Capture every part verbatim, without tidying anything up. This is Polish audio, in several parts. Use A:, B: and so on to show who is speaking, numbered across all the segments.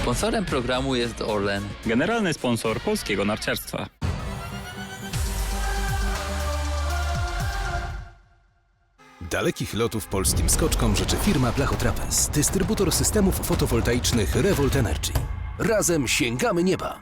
A: Sponsorem programu jest Orlen.
B: Generalny sponsor polskiego narciarstwa.
C: Dalekich lotów polskim skoczkom życzy firma Blachotrapez, dystrybutor systemów fotowoltaicznych Revolt Energy. Razem sięgamy nieba!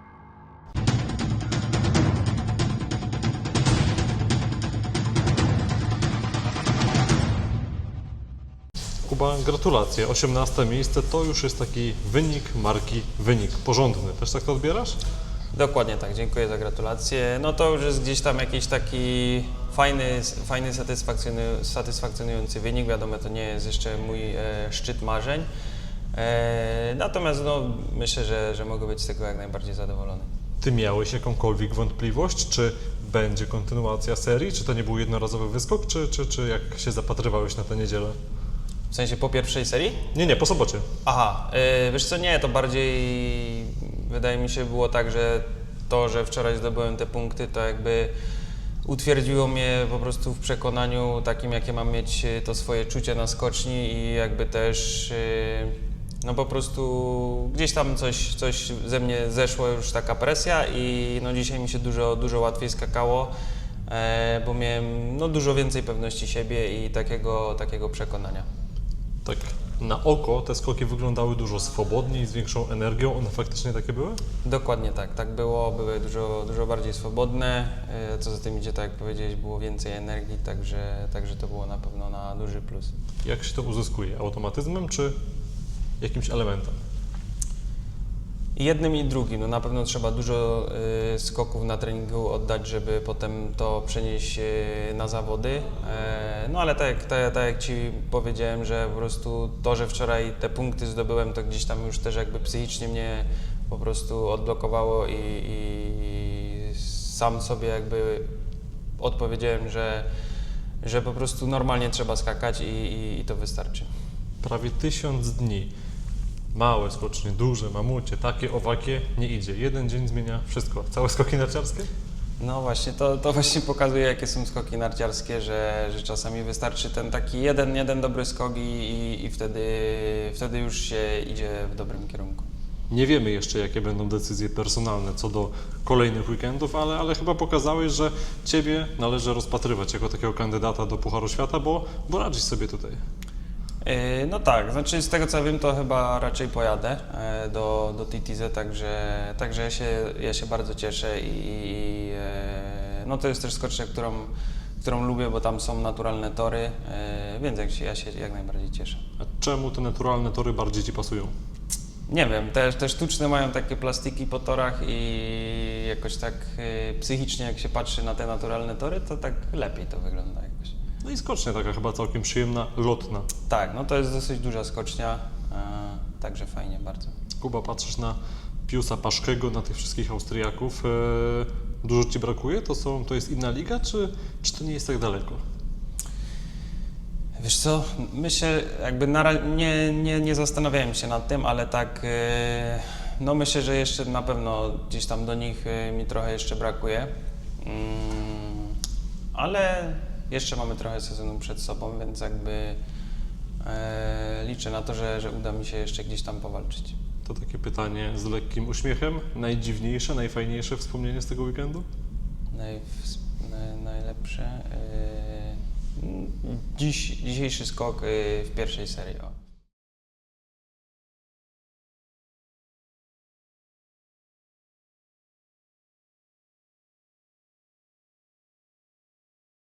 D: Kuba, gratulacje. osiemnaste miejsce to już jest taki wynik marki, wynik porządny. Też tak to odbierasz?
E: Dokładnie tak, dziękuję za gratulacje. No to już jest gdzieś tam jakiś taki fajny, fajny satysfakcjonujący, satysfakcjonujący wynik. Wiadomo, to nie jest jeszcze mój e, szczyt marzeń. E, natomiast no, myślę, że, że mogę być z tego jak najbardziej zadowolony.
D: Ty miałeś jakąkolwiek wątpliwość, czy będzie kontynuacja serii? Czy to nie był jednorazowy wyskok, czy, czy, czy jak się zapatrywałeś na tę niedzielę?
E: W sensie po pierwszej serii?
D: Nie, nie, po sobocie.
E: Aha, yy, wiesz co, nie, to bardziej wydaje mi się było tak, że to, że wczoraj zdobyłem te punkty, to jakby utwierdziło mnie po prostu w przekonaniu takim, jakie mam mieć to swoje czucie na skoczni i jakby też yy, no po prostu gdzieś tam coś, coś ze mnie zeszło już taka presja i no dzisiaj mi się dużo, dużo łatwiej skakało, e, bo miałem no dużo więcej pewności siebie i takiego, takiego przekonania.
D: Tak na oko te skoki wyglądały dużo swobodniej, z większą energią. One faktycznie takie były?
E: Dokładnie tak, tak było, były dużo, dużo bardziej swobodne, e, co za tym idzie, tak jak powiedziałeś, było więcej energii, także, także to było na pewno na duży plus.
D: Jak się to uzyskuje? Automatyzmem czy jakimś elementem?
E: I jednym i drugim, no na pewno trzeba dużo y, skoków na treningu oddać, żeby potem to przenieść y, na zawody, e, no ale tak, jak- tak, tak jak Ci powiedziałem, że po prostu to, że wczoraj te punkty zdobyłem, to gdzieś tam już też jakby psychicznie mnie po prostu odblokowało i, i sam sobie jakby odpowiedziałem, że, że po prostu normalnie trzeba skakać i, i, i to wystarczy.
D: Prawie tysiąc dni. Małe skocznie, duże, mamucie, takie, owakie, nie idzie. Jeden dzień zmienia wszystko. Całe skoki narciarskie?
E: No właśnie, to, to właśnie pokazuje, jakie są skoki narciarskie, że, że czasami wystarczy ten taki jeden, jeden dobry skok i, i, i wtedy, wtedy już się idzie w dobrym kierunku.
D: Nie wiemy jeszcze, jakie będą decyzje personalne co do kolejnych weekendów, ale, ale chyba pokazałeś, że Ciebie należy rozpatrywać jako takiego kandydata do Pucharu Świata, bo, bo radzisz sobie tutaj.
E: Yy, No tak, znaczy z tego co wiem, to chyba raczej pojadę e, do, do T T Z, także, także ja, się, ja się bardzo cieszę i, i e, no to jest też skocznia, którą, którą lubię, bo tam są naturalne tory, e, więc jak się, ja się jak najbardziej cieszę.
D: A czemu te naturalne tory bardziej Ci pasują?
E: Nie wiem, te, te sztuczne mają takie plastiki po torach i jakoś tak y, psychicznie jak się patrzy na te naturalne tory, to tak lepiej to wygląda jakoś.
D: No i skocznia taka chyba całkiem przyjemna, lotna.
E: Tak, no to jest dosyć duża skocznia, y, także fajnie bardzo.
D: Kuba, patrzysz na Piusa Paszkego, na tych wszystkich Austriaków. E, dużo Ci brakuje? To, są, to jest inna liga, czy, czy to nie jest tak daleko?
E: Wiesz co, myślę, jakby na, ra- nie, nie, nie zastanawiałem się nad tym, ale tak, y, no myślę, że jeszcze na pewno gdzieś tam do nich y, mi trochę jeszcze brakuje, mm, ale jeszcze mamy trochę sezonu przed sobą, więc jakby e, liczę na to, że, że uda mi się jeszcze gdzieś tam powalczyć.
D: To takie pytanie z lekkim uśmiechem. Najdziwniejsze, najfajniejsze wspomnienie z tego weekendu?
E: Naj, naj, najlepsze. y, Dziś, dzisiejszy skok y, w pierwszej serii. O.